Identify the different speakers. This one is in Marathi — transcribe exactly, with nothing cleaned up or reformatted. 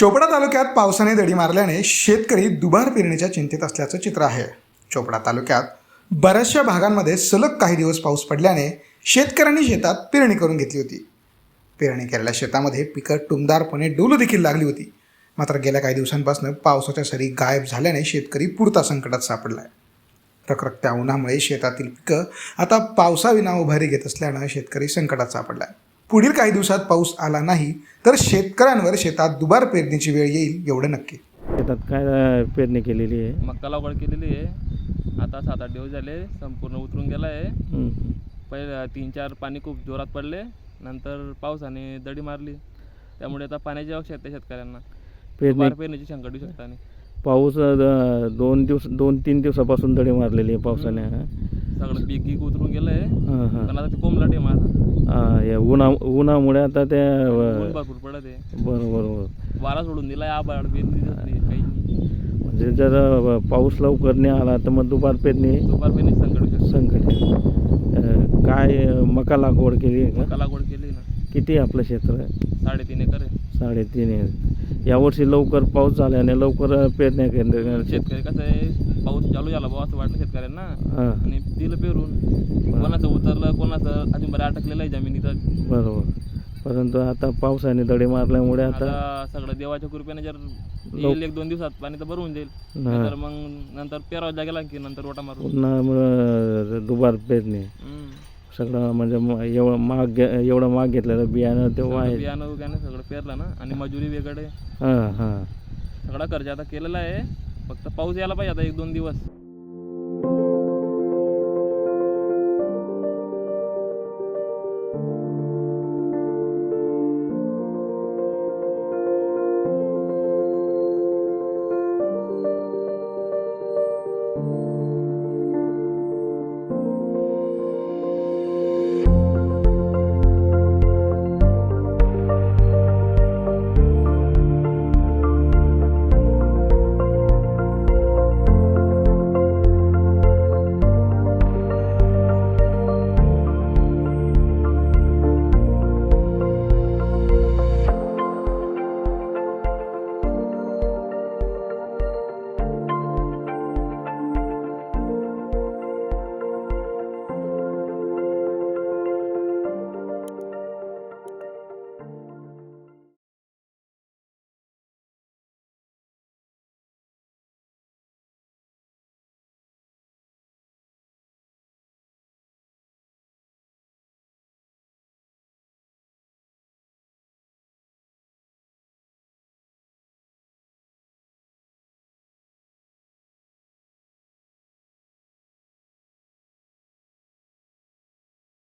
Speaker 1: चोपडा तालुक्यात पावसाने दडी मारल्याने शेतकरी दुबार पेरणीच्या चिंतेत असल्याचं चित्र आहे। चोपडा तालुक्यात बऱ्याचशा भागांमध्ये सलग काही दिवस पाऊस पडल्याने शेतकऱ्यांनी शेतात पेरणी करून घेतली होती। पेरणी केलेल्या शेतामध्ये पिकं टुमदारपणे डोलू देखील लागली होती। मात्र गेल्या काही दिवसांपासून पावसाच्या सरी गायब झाल्याने शेतकरी पुरता संकटात सापडला आहे। रखरखत्या उन्हामुळे शेतातील पिकं आता पावसाविना उभारी घेत असल्यानं शेतकरी संकटात सापडला आहे। पुढील काही दिवसात पाऊस आला नाही तर शेतकऱ्यांवर शेतात दुबार पेरणीची वेळ येईल एवढं नक्की।
Speaker 2: शेतात काय पेरणी केलेली आहे?
Speaker 3: मक्का लागवड केलेली आहे। आता सात आठ दिवस झाले, संपूर्ण उतरून गेला आहे। पहिले तीन चार पाणी खूप जोरात पडले, नंतर पावसाने दडी मारली, त्यामुळे आता पाण्याची आवश्यकता आहे शेतकऱ्यांना।
Speaker 2: पेरणी
Speaker 3: पेरणीची शंका येऊ शकता नाही।
Speaker 2: पाऊस अ, दोन दिवस दोन तीन दिवसापासून दडी मारलेली आहे पावसाने।
Speaker 3: सगळं पीक गीक उतरून गेलं आहे,
Speaker 2: हां हां
Speaker 3: पण आता ते कोंबलाट आहे माझा।
Speaker 2: हां, या उन्हा उन्हामुळे आता ते
Speaker 3: ऊन भरपूर पडत आहे।
Speaker 2: बरोबर बरोबर
Speaker 3: वारा सोडून दिला आहे, आभाळ पेरणी दिसत नाही काही नाही।
Speaker 2: म्हणजे जर अ, पाऊस लवकर नाही आला तर मग दुबार पेरणी
Speaker 3: दुपार पेरणीची संकट येऊ शकते।
Speaker 2: संकट आहे। अ, काय अ, मका लागवड केली आहे का?
Speaker 3: मक्का लागवड केली ना,
Speaker 2: किती आपलं क्षेत्र आहे?
Speaker 3: साडेतीन एकर आहे।
Speaker 2: साडेतीन आहे। यावर्षी लवकर पाऊस झाल्याने लवकर पेरण्या केल्या
Speaker 3: शेतकरी कसं आहे, पाऊस चालू झाला बाबा असं वाटलं शेतकऱ्यांना,
Speaker 2: हां
Speaker 3: आणि दिलं पेरून। कोणाचं उतरलं, कोणाचं अजून बरं अटकलेलं आहे जमिनीत।
Speaker 2: बरोबर, परंतु आता पावसाने दडी मारल्यामुळे आता
Speaker 3: आता सगळं देवाच्या कृपेने जर येईल एक दोन दिवसात पाणी तर भरून जाईल, तर मग नंतर पेरावं लागेल की नंतर रोटा मारून
Speaker 2: पुन्हा मग दुबार पेरणी
Speaker 3: हम्म.
Speaker 2: सगळं म्हणजे म- एवढं महाग घे- एवढं महाग घेतलेलं बियाणं ते
Speaker 3: सगळं
Speaker 2: आहे।
Speaker 3: बियाणं वगैरे सगळं पेरलं ना, आणि मजुरी वेगळे
Speaker 2: हां हां
Speaker 3: सगळा खर्च आता केलेला आहे। फक्त पाऊस यायला पाहिजे आता एक दोन दिवस।